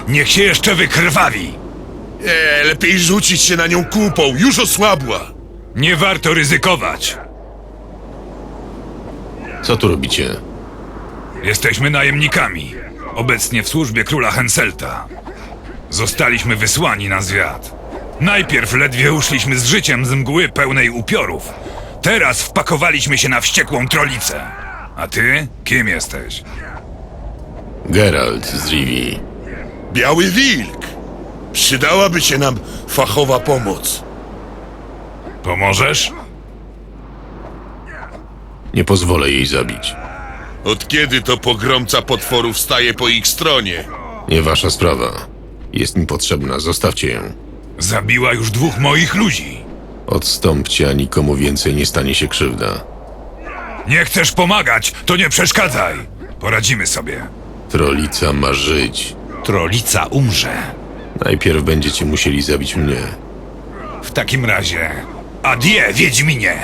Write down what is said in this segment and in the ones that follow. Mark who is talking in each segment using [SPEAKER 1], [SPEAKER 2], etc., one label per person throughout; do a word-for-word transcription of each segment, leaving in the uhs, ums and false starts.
[SPEAKER 1] Niech się jeszcze wykrwawi.
[SPEAKER 2] Nie, lepiej rzucić się na nią kupą, już osłabła.
[SPEAKER 1] Nie warto ryzykować.
[SPEAKER 3] Co tu robicie?
[SPEAKER 1] Jesteśmy najemnikami. Obecnie w służbie króla Henselta. Zostaliśmy wysłani na zwiat. Najpierw ledwie uszliśmy z życiem z mgły pełnej upiorów. Teraz wpakowaliśmy się na wściekłą trolicę. A ty? Kim jesteś?
[SPEAKER 3] Geralt z Rivii.
[SPEAKER 2] Biały wilk. Przydałaby się nam fachowa pomoc.
[SPEAKER 1] Pomożesz?
[SPEAKER 3] Nie pozwolę jej zabić.
[SPEAKER 2] Od kiedy to pogromca potworów staje po ich stronie?
[SPEAKER 3] Nie wasza sprawa. Jest mi potrzebna, zostawcie ją.
[SPEAKER 1] Zabiła już dwóch moich ludzi.
[SPEAKER 3] Odstąpcie, a nikomu więcej nie stanie się krzywda.
[SPEAKER 1] Nie chcesz pomagać, to nie przeszkadzaj. Poradzimy sobie.
[SPEAKER 3] Trolica ma żyć.
[SPEAKER 1] Trolica umrze.
[SPEAKER 3] Najpierw będziecie musieli zabić mnie.
[SPEAKER 1] W takim razie... Adie, Wiedźminie!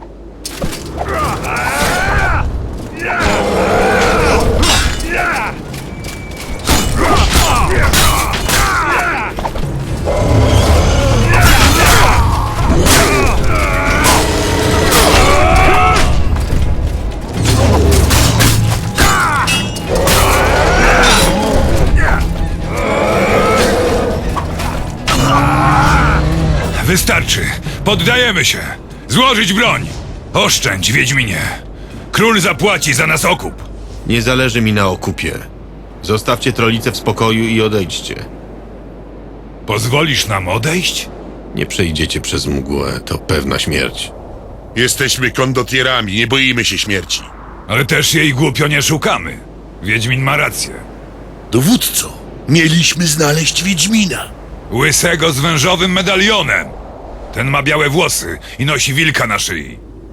[SPEAKER 1] Wystarczy. Poddajemy się. Złożyć broń. Oszczędź, Wiedźminie. Król zapłaci za nas okup.
[SPEAKER 3] Nie zależy mi na okupie. Zostawcie Trolicę w spokoju i odejdźcie.
[SPEAKER 1] Pozwolisz nam odejść?
[SPEAKER 3] Nie przejdziecie przez mgłę, to pewna śmierć.
[SPEAKER 2] Jesteśmy kondotierami, nie boimy się śmierci.
[SPEAKER 1] Ale też jej głupio nie szukamy. Wiedźmin ma rację.
[SPEAKER 2] Dowódco, mieliśmy znaleźć Wiedźmina.
[SPEAKER 1] Łysego z wężowym medalionem. Ten ma białe włosy i nosi wilka na szyi.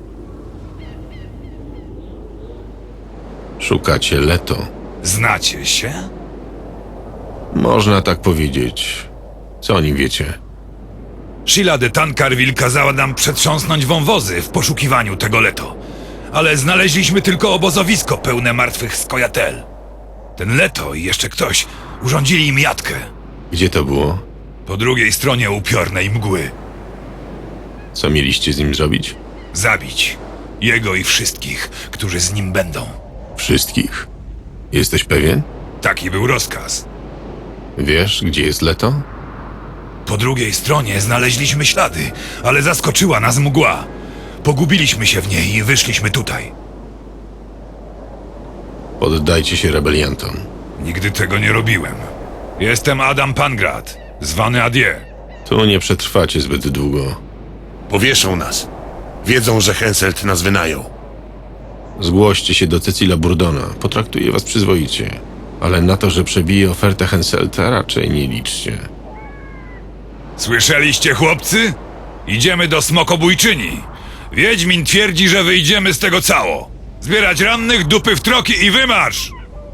[SPEAKER 3] Szukacie Leto.
[SPEAKER 1] Znacie się?
[SPEAKER 3] Można tak powiedzieć. Co o nim wiecie?
[SPEAKER 1] Sheila de Tancarville kazała nam przetrząsnąć wąwozy w poszukiwaniu tego Leto. Ale znaleźliśmy tylko obozowisko pełne martwych skojatel. Ten Leto i jeszcze ktoś urządzili im jatkę.
[SPEAKER 3] Gdzie to było?
[SPEAKER 1] Po drugiej stronie upiornej mgły.
[SPEAKER 3] Co mieliście z nim zrobić?
[SPEAKER 1] Zabić. Jego i wszystkich, którzy z nim będą.
[SPEAKER 3] Wszystkich. Jesteś pewien?
[SPEAKER 1] Taki był rozkaz.
[SPEAKER 3] Wiesz, gdzie jest Leto?
[SPEAKER 1] Po drugiej stronie znaleźliśmy ślady, ale zaskoczyła nas mgła. Pogubiliśmy się w niej i wyszliśmy tutaj.
[SPEAKER 3] Poddajcie się rebeliantom.
[SPEAKER 1] Nigdy tego nie robiłem. Jestem Adam Pangrat, zwany Adie.
[SPEAKER 3] Tu nie przetrwacie zbyt długo.
[SPEAKER 2] Powieszą nas. Wiedzą, że Henselt nas wynajął.
[SPEAKER 3] Zgłoście się do Cecila Burdona. Potraktuje was przyzwoicie. Ale na to, że przebije ofertę Henselta, raczej nie liczcie.
[SPEAKER 1] Słyszeliście, chłopcy? Idziemy do Smokobójczyni. Wiedźmin twierdzi, że wyjdziemy z tego cało. Zbierać rannych, dupy w troki i wymarsz!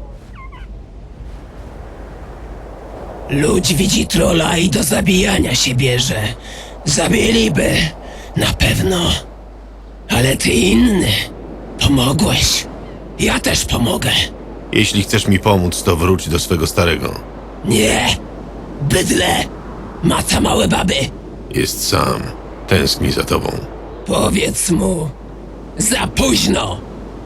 [SPEAKER 4] Ludź widzi trola i do zabijania się bierze. Zabiliby, na pewno. Ale ty inny. Pomogłeś. Ja też pomogę.
[SPEAKER 3] Jeśli chcesz mi pomóc, to wróć do swego starego.
[SPEAKER 4] Nie. Bydle. Maca małe baby.
[SPEAKER 3] Jest sam. Tęskni za tobą.
[SPEAKER 4] Powiedz mu. Za późno.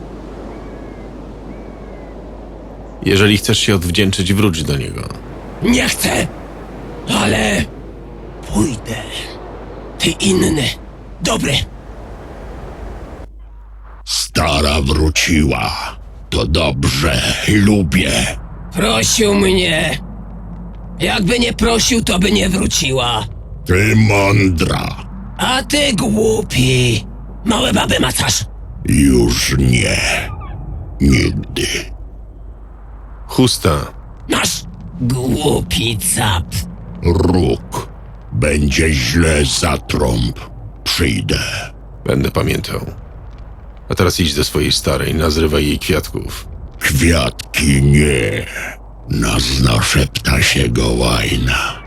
[SPEAKER 3] Jeżeli chcesz się odwdzięczyć, wróć do niego.
[SPEAKER 4] Nie chcę. Ale... pójdę. Ty inny. Dobry.
[SPEAKER 5] Stara wróciła. To dobrze, lubię.
[SPEAKER 4] Prosił mnie. Jakby nie prosił, to by nie wróciła.
[SPEAKER 5] Ty mądra.
[SPEAKER 4] A ty głupi. Małe baby macasz.
[SPEAKER 5] Już nie. Nigdy.
[SPEAKER 3] Chusta.
[SPEAKER 4] Masz. Głupi cap.
[SPEAKER 5] Róg. Będzie źle za trąb. Przyjdę.
[SPEAKER 3] Będę pamiętał. A teraz idź do swojej starej, nazrywaj jej kwiatków.
[SPEAKER 5] Kwiatki nie. Na zna szepta się gołajna.